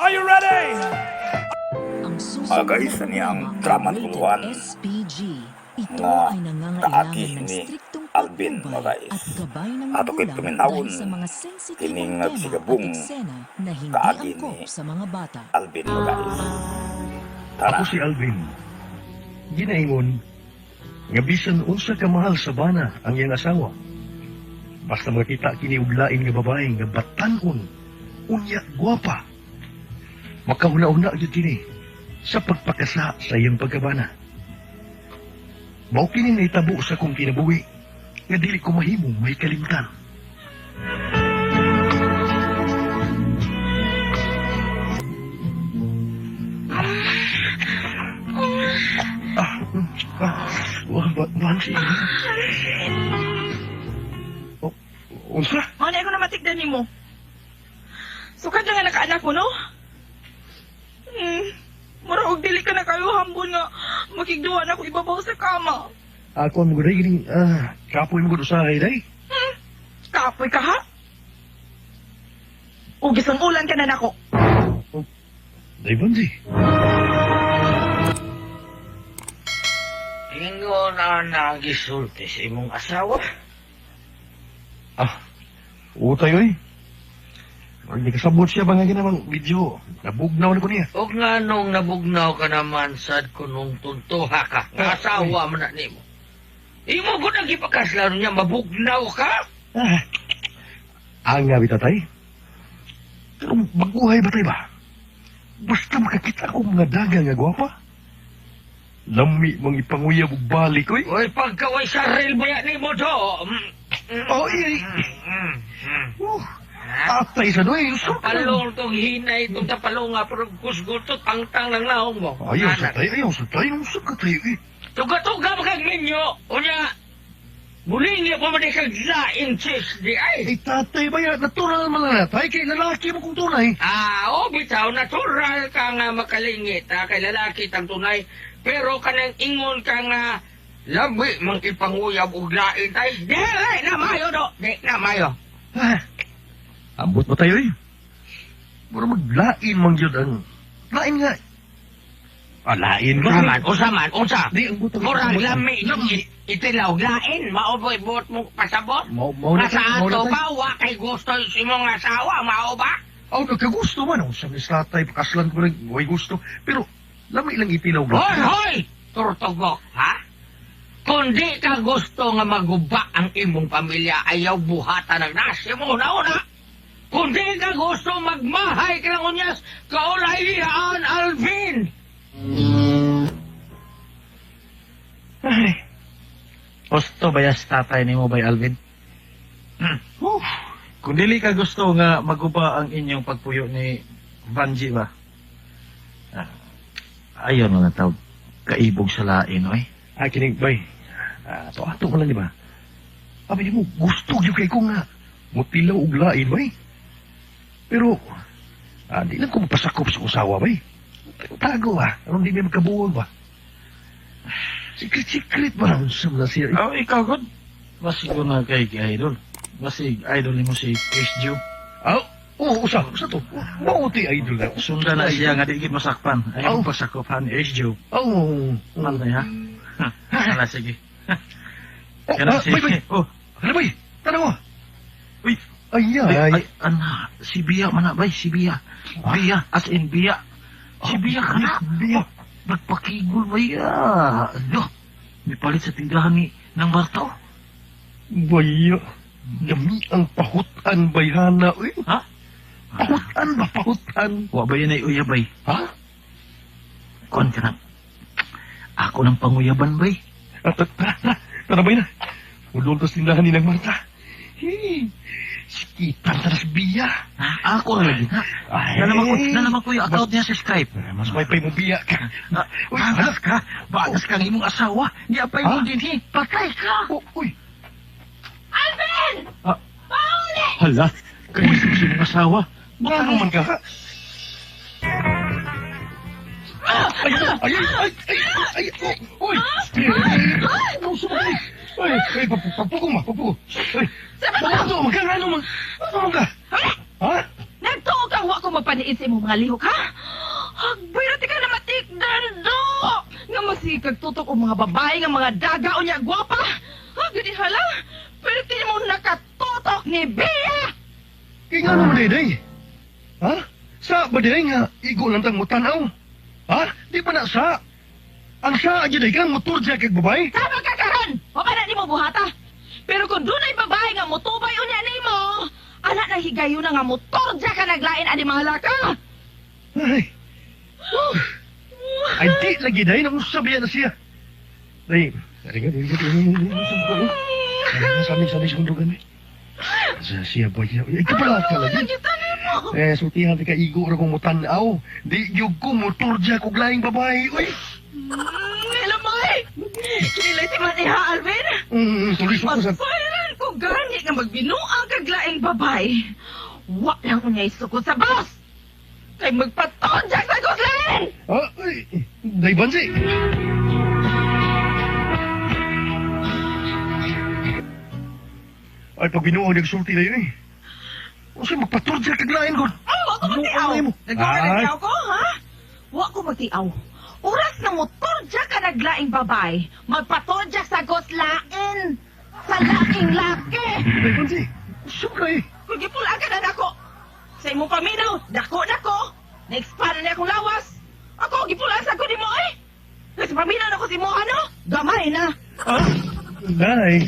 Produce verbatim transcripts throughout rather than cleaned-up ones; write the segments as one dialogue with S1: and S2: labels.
S1: Are you ready?
S2: Mga guys, ani ang drama tuluan
S3: S P G. Ito
S2: nga
S3: ay
S2: kaagi
S3: nangangailangan ng
S2: ni
S3: striktong
S2: Alvin, mga
S3: patnubay
S2: guys.
S3: at gabay ng
S2: Ato ko'y
S3: magulang
S2: paminawon,
S3: dahil sa mga sensitibong
S2: kining
S3: tema at
S2: nagsigabong
S3: eksena na hindi
S2: kaagi
S3: angkop
S2: ni
S3: sa mga bata.
S2: Alvin, mga guys. Tara.
S4: Ako si Alvin. Ginaingon, nga bisan unsa ka mahal sa bana ang iyang asawa. Basta makita kiniuglain nga babae nga batanon, unya gwapa. Makauna-una gyud kini sa pagpakasa sa iyang pagkabana. Mao kini naitabo sa kong kinabuhi nga dili ko mahimong may kalimtan. Ah, ah, wah, ba, Bansi. Oh, unsa?
S5: Ano ako na matigdan ni mo? Sukad na nga nakaanak mo, no? Hmm, maraog dili ka na kayo hambon nga makigduhan ako ibabaw sa kama.
S4: Ako ang mga gining, ah, kapoy mo ko sa akin, day.
S5: Hmm, kapoy ka ha? Ugis ang ulan ka na nako.
S4: Day, Bansi.
S6: Ingo na nagisulti sa imong asawa.
S4: Ah, utay, oy. Hindi kasabot siya ba nga ginamang video? Nabugnaw na ko niya.
S6: O nga nung nabugnaw ka naman sad ko nung tuntuha ka. Nga asawa mo na nimo. Imo ko nang ipakaslaro niya, mabugnaw ka?
S4: Ah, ang nga bitatay. Pero baguhay ba tayo ba? Basta makakita ko mga daga nga gwapa. Lami mong ipanguyab og balik, oy.
S6: Oy, pagkaway sa rail ba yan nimo do? Mm, mm,
S4: Oh, iya.
S6: mm, mm.
S4: Uh, atay sa doy.
S6: Palong tong hinay itong tapalong nga, pero kusgutot, pangtang ng lahong mo.
S4: Ayaw sa tayo, ayaw sa tayo. Ayaw sa tayo, eh.
S6: Tuga-tuga makag ninyo. Unya, muli niya pa man kag lain chicks di ay.
S4: Eh, tatay ba yan? Natural man na natay. Kay lalaki mo kung tunay.
S6: Ah, o bitaw, natural ka nga makalingit, ha, kay lalaki tang tunay. Pero kanang ingon ka nga, labi mang ipanguyab og lain tay. Di, ay, na mayo do. Di, na mayo.
S4: Ah, ambot ba tayo, eh? Mura maglain man yun ang... Lain nga. Ah, lain ba?
S6: Usaman, usaman, usa.
S4: Di, ang butang...
S6: Murag lami yung i- itilaw lain, maoboy buot mo pasabot.
S4: Mau, mau na
S6: Nasa
S4: tayo, mau na
S6: ato
S4: tayo.
S6: ba, wa kay gusto si mong asawa, mao ba?
S4: Oh, nagkagusto man. Oh, sa tatay, pakaslan ko rin. Huwag gusto. Pero, lami lang itilaw ba?
S6: Hoy, hoy! Turtugok, ha? Kung di ka gusto nga maguba ang imong pamilya, ayaw buhatan ng nasi mo na una. Kung di ka gusto magmahay ka ng unyas, kaulayan, Alvin!
S7: Ay. Gusto ba yas tatay ni mo bay Alvin?
S6: Hmm.
S7: Uh, kung dili ka gusto nga maguba ang inyong pagpuyo ni Banji ba? Ah, ayaw na tawag kaibog sa lain, oy.
S4: Ay, kinig, bay. Ah, to ato mo lang, di ba? Abi mo, gusto yung kay ko nga. Mutilaw og lain, bay. Pero, ah, di lang ko magpasakop sa usawa, bay. Tago, ah. Anong di may magkabuwag, ba? Secret-secret ba lang sa mga siya?
S7: Oh, ikaw god. Basig ko na kay kay idol. Basig idol ni mo si Chris Joe.
S4: Ah, oo, usa, usa to. Mauti idol na.
S7: Sundan na siya nga di gid masakpan. Ayaw
S4: Oh.
S7: pasakop han Chris Joe.
S4: Oo.
S7: Man na ya. Hala sige.
S4: Oh,
S7: Kana
S4: ah,
S7: si
S4: bay, bay.
S7: Oh,
S4: Ano, bay? Tanong mo.
S7: uy.
S4: Ay,
S7: Ay,
S4: ay.
S7: ay, ana, si Bia man na bay, si Bia. Bia, as in Bia. Si Bia ka na.
S4: Bia.
S7: Oh, nagpakigol ba ya? Ano? May palit sa tindahan ni ng Bartaw.
S4: Bayo. Dami ang pahutan, bayhana. Uy,
S7: Ha?
S4: pahutan ba, pahutan?
S7: Wa ba yun ay uyabay?
S4: Ha?
S7: Kon ka na. Ako ng panguyaban bay.
S4: Ah, ta- Tara, tara, tara ba na? Ulol tas tindahan ni ng Marta. Hey, sikitan taras biya.
S7: Ha? Ako na lagi. Ha?
S4: Ay.
S7: Na naman ko, na naman ko yung account niya sa Skype.
S4: Mas may pay mo biya ka.
S7: Ah,
S4: Uy,
S7: bagas ka. Bagas ka ng imong asawa. Di apay mo
S4: Ha?
S7: din eh. Patay ka.
S4: Oh, uy,
S7: Ah, hala. Kayo sa imong asawa.
S4: baka naman ka ha? Ay, ay, ay, ay, ay, ay, oh, uy. Ay, sumali. Ay, ay, papuko ma, papuko. Ay, papuko, magkano, mag, ano ka? Ha?
S5: Nagtuo kang wa ko magpaniid sa imong mga lihok, ha? Hagbay na ka na matikdan, do! Nga masikag tutok o mga babae, nga mga daga o niya gwapa. Ha, ganyan hala? Pero tinin mo nakatutok ni Bea!
S4: Kaya nga naman, Day. Ha? Sa ba, Day, nga igo lang tang mutanaw? Ha? Di ba na sa? Ang sa, Day, kang motor dyan kag babae?
S5: Tama ka karon! O ba na di mo buhata? Pero kung doon ay babae nga motubay o niya ni mo, anak na higayon na nga motor dyan ka naglain ani mga laka!
S4: Ay. Uh, ay, di lagi, Day. Nang sabihan na siya. Day, dari ka, dari ka, dari ka, sabi-sabi sa kundugan, eh. Sa siya ba siya? Ay, kapalat ka lagi. Eh, sultihan ka igo ra kong mutanaw. Di yung ko motor dyan kong laing babae, oy.
S5: Mm, hello, Moy! Kinilay si Maniha, Alvin!
S4: Mm, tuloy sa sa...
S5: Masayran ko gani nga magbinuang kaglaing babay. Wa lang ko niya isukod sa bus! Kay magpatonjak sa guslen!
S4: Ah, ay, Day Bansi. Ay, pag binuo nagsulti na yun eh. O siya magpaturja kaglain ko.
S5: Ay, wa ko magtiaw!
S4: Ay, mo.
S5: Nagkakalayaw ko, ha? Wa ko magtiaw. Oras na motorja ka naglaing babay, magpatonjak sa guslain! Sa laking laki!
S4: Day Bansi, sobra eh.
S5: Kung gipula ka na nako! Sa imong paminaw, dako-dako! Na-expand na akong lawas! Ako, gipula sa ko ni mo eh! Kasi paminaw na ko si mo, ano? Gamay na!
S4: Ha? Day.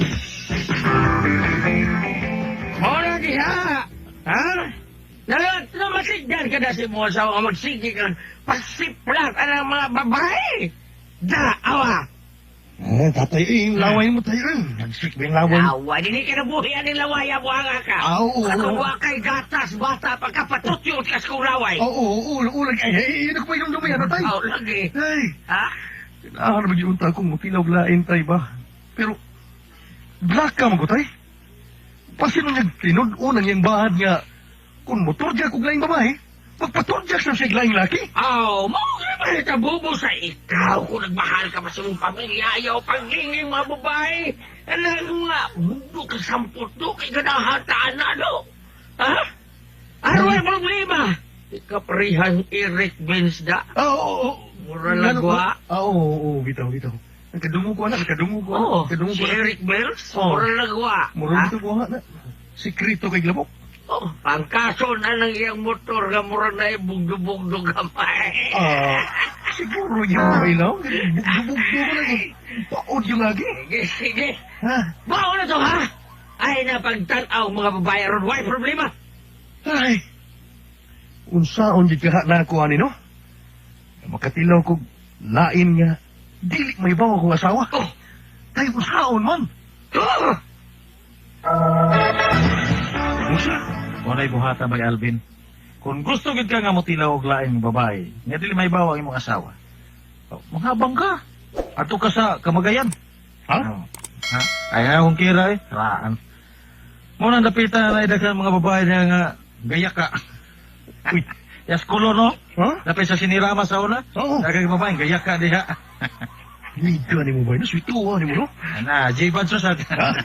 S6: Mora diha! Ha? Nalat na masigdan ka na si mo sa mga magsigi ka pasiplat ang mga babae! Da, awa!
S4: Ah, tatay eh, yung laway mo tayo eh. Nagsik ba yung laway mo?
S6: Awa, di ka nabuhian ng lawaya mo ang ka!
S4: Ah, oo,
S6: At
S4: oo.
S6: kung kay gatas, bata, pagkapatutyot ka sa kong laway!
S4: Oo, oo, oo, oo, ay, ay, ay, ano ko yung lumihan na tayo?
S6: Oh, lagi!
S4: Ay,
S6: Ha?
S4: ah, ano ba yung unta kong mutilaw lain tayo ba? Pero, black ka mo ko tayo. Pasino niya tinod, unang yung bahad nga, kung motor dyan kong laing babae, magpator dyan sa siya laing laki.
S6: Oh, mawag ba ito bubo sa ikaw kung nagmahal ka pa sa mong pamilya, ayaw paglingin mga babae. Ano nga, bubo ka sampot do, kay ganahataan na, no? Ha? Ano ang problema? Ikaparihang Eric Bensda.
S4: Ah, oo, oo.
S6: Mura lagwa.
S4: Ah, oo, oo, bitaw, bitaw. Nagkadungo ko anak, nagkadungo ko anak.
S6: Oh,
S4: Nagkadungo
S6: si
S4: ko anak.
S6: Eric Bells,
S4: Oh.
S6: mura lagwa.
S4: Mura
S6: Ha?
S4: dito ko anak. Sikrito kay Glabok.
S6: Oh, ang kaso na ng iyang motor nga mura na ibugdo-bugdo gamay.
S4: Ah, siguro yung kailaw. Bugdo-bugdo ko na yung paod yung lagi.
S6: Sige, sige.
S4: Ha?
S6: Bao na to, ha? Ay, napagtanaw mga babae ron. Why problema?
S4: Ay, unsaon di kaha na ako ani no? Makatilaw ko lain nga dili may bawa kong asawa.
S6: Oh,
S4: Tayo unsaon man.
S6: oh.
S4: Unsa?
S7: Walay buhata bay Alvin. Kung gusto gid ka nga motilaw og laing babae, nga dili may bawa ang imong asawa. Oh, manghabang ka. Ato ka sa kamagayan.
S4: Ha?
S7: Oh, ha? Ay akong kira eh. Raan. Mo nang dapitan na idagan mga babae na nga gaya ka.
S4: Uy,
S7: Yas kulo no?
S4: ha?
S7: Dapit sa sinirama sa una.
S4: Oo.
S7: Dagang babae gaya ka diha.
S4: Liga ni mo ba? Naswituwa ni mo no?
S7: Na, J Banso sa.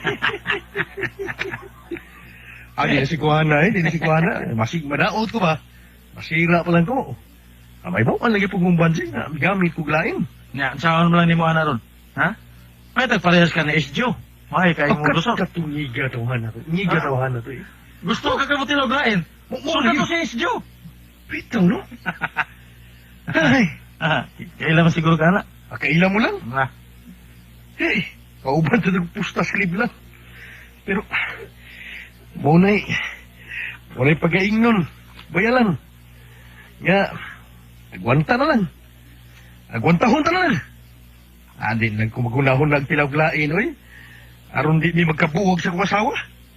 S4: Ah, di na si Kuhana eh, di na si Kuhana. Masig, madaot ko ba? Masira pa lang ko. Ah, may bawan lagi po kong bansin na gamit ko lain.
S7: Nya, saan mo lang ni mo ana ron? Ha? May tagparehas ka ni S J O. May kay mo gusto.
S4: Katungiga tawahan na to. Ngiga
S7: Ah.
S4: tawahan na to eh.
S7: Gusto ka ka motilaw lain.
S4: Mo- mo-
S7: Suka to si S J O.
S4: Bitaw no? Ay,
S7: Ah, kailan man siguro ka na?
S4: ah, kaila mo lang.
S7: Ah,
S4: Hey, kauban sa nagpustas klib lang. Pero, munay, munay pagaing nun. Bayalan. Nga, agwanta na lang. Agwantahon ta na lang. Adin lang kung magunahon nagtilawglain, oy. Aron di mi magkabuwag sa kong asawa.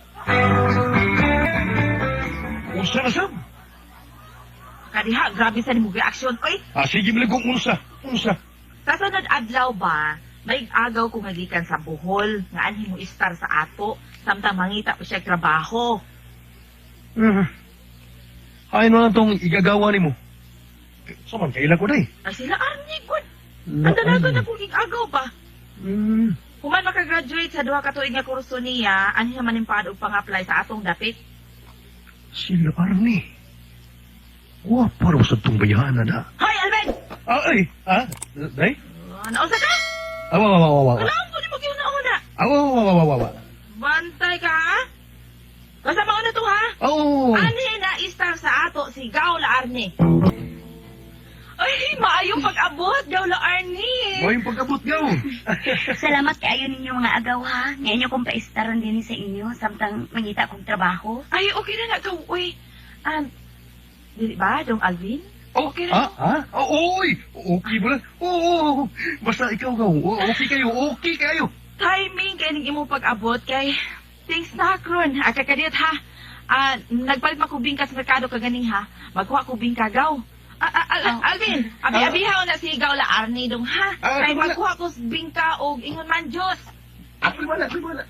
S4: Unsa na sab?
S5: Kadiha, grabe sa nimong reaksyon, oy!
S4: Ah, sige mo lang kung unsa. Unsa.
S5: Sa sunod adlaw ba, may agaw kung magikan sa Bohol, nga anhi mo istar sa ato, samtang mangita pa siya trabaho.
S4: Uh, Ay, no lang tong igagawa ni mo. Saman, kailan ko na eh.
S5: Ay sila arni, good! Ang dalaga na kung agaw ba?
S4: Hmm.
S5: Human makagraduate sa duha ka tuig nga kurso niya, anhi naman yung paad og pang-apply sa atong dapit.
S4: Sila Arnie. Wa para sa tong bayanan na.
S5: Hoy, Alvin!
S4: Ah, ay, ha? Day?
S5: Uh, Naunsa ka?
S4: Awa, awa, awa, awa.
S5: Alam ko ni mo na.
S4: Awa, awa, awa, awa, awa.
S5: Bantay ka, ha? Kasama ko na to, ha?
S4: Oh.
S5: Ani na istar sa ato si Gaula Arne. Ay, maayong pag-abot, Gaula Arne.
S4: Mo yung pagkabot gaw.
S1: Salamat kayo ninyo mga agaw ha. Ngayon yung kong paistaran din sa inyo samtang mangita kong trabaho.
S5: Ay, okay na na, Gaw. Uy, um, di ba, Dong Alvin? Okay
S4: Ha?
S5: na.
S4: Ha? Oh, oy! Okay ba? Oo, oo, oo. Basta ikaw gaw. O- Okay kayo, okay kayo.
S5: Timing kay ning imong pag-abot kay things na karon. Aka kadiyot ha. Ah, nagpalit man ko bingka sa merkado kaganing ha. Magkuha ko bingka gaw. Ah, ah, ah,
S1: Oh.
S5: Alvin, abi-abihaw na si Gaula Arne dong ha.
S4: Ah,
S5: Kay
S4: wala.
S5: magkuha ko bingka og ingon man Diyos.
S4: Ako wala, ako wala.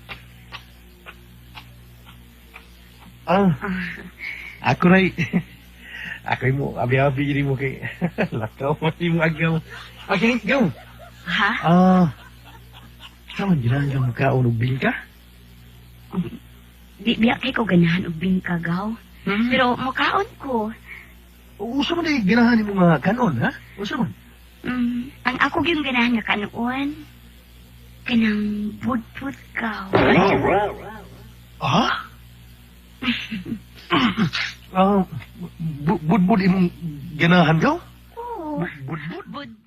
S4: Ah, ako ray. Ako mo, abi-abi diri mo kay lakaw mo si mo agaw. Okay, gaw.
S1: Ha?
S4: Ah, saan ginaan ka magkaon og bingka?
S1: Di biya kay ko ganahan og bingkagaw.
S4: Hmm?
S1: Pero mukaon ko.
S4: Usa man ay ganahan mo nga kanon, ha? Usa man.
S1: Mm, ang ako yung ganahan nga kanuon. Kanang budpud gaw.
S4: Ha? Ah, bu- budbud imong ganahan gaw?
S1: Oo.
S4: Budbud?
S1: Budpud